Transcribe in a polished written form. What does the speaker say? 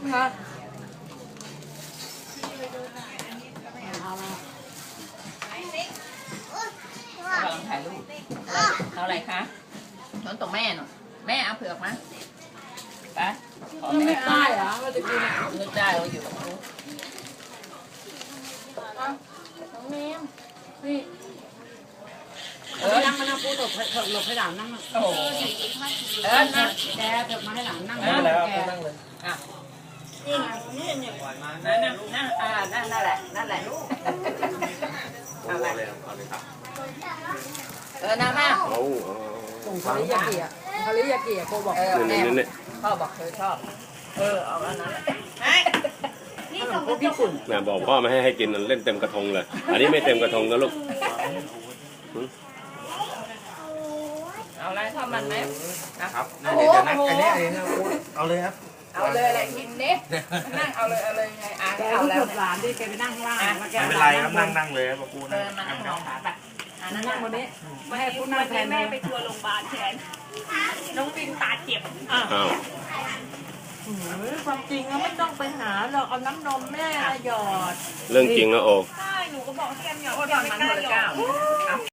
คะกำลังถ่ายรูปเอาอะไรคะน้องตรงแม่หน่อยแม่เอาเผือกมาไปไม่ได้เหรอว่าจะกินนึกได้เราอยู่ตรงนู้นน้องเมมนี่นั่งมานั่งพูดหลบให้หลานนั่งโอ้โหนะแกเถิดมาให้หลานนั่งนั่งแล้วนั่งเลยอ่ะนี่ไงนี่เนี่ยนั่นนั่นแหละนั่นแหละลูกเอาไปนั่งมาส่งคาริยากิอ่ะคาริยากิอ่ะโกบอกแม่พ่อบอกเธอชอบเอาอันนั้นขนมพวกญี่ปุ่นนะบอกพ่อไม่ให้กินเล่นเต็มกระทงเลยอันนี้ไม่เต็มกระทงนะลูกเอาอะไรทำมันไหมครับเดี๋ยวนะอันนี้เอาเลยครับเอาเลยอะไรกินนี่นั่งเอาเลยไงแกเอาแล้วหลานดิแกไปนั่งข้างล่างไม่เป็นไรครับนั่งเลยครับปูนะมานั่งรอขาแบบนั่งวันนี้ไม่ให้พูดนั่งแทนแม่ไปทัวร์โรงพยาบาลแทนน้องบินตาเจ็บอ้าวความจริงก็ไม่ต้องไปหาหรอกเอาน้ำนมแม่หยอดเรื่องจริงนะโอใช่หนูก็บอกให้แกมหยอดโอ้ยตอนมันคนละเจ้า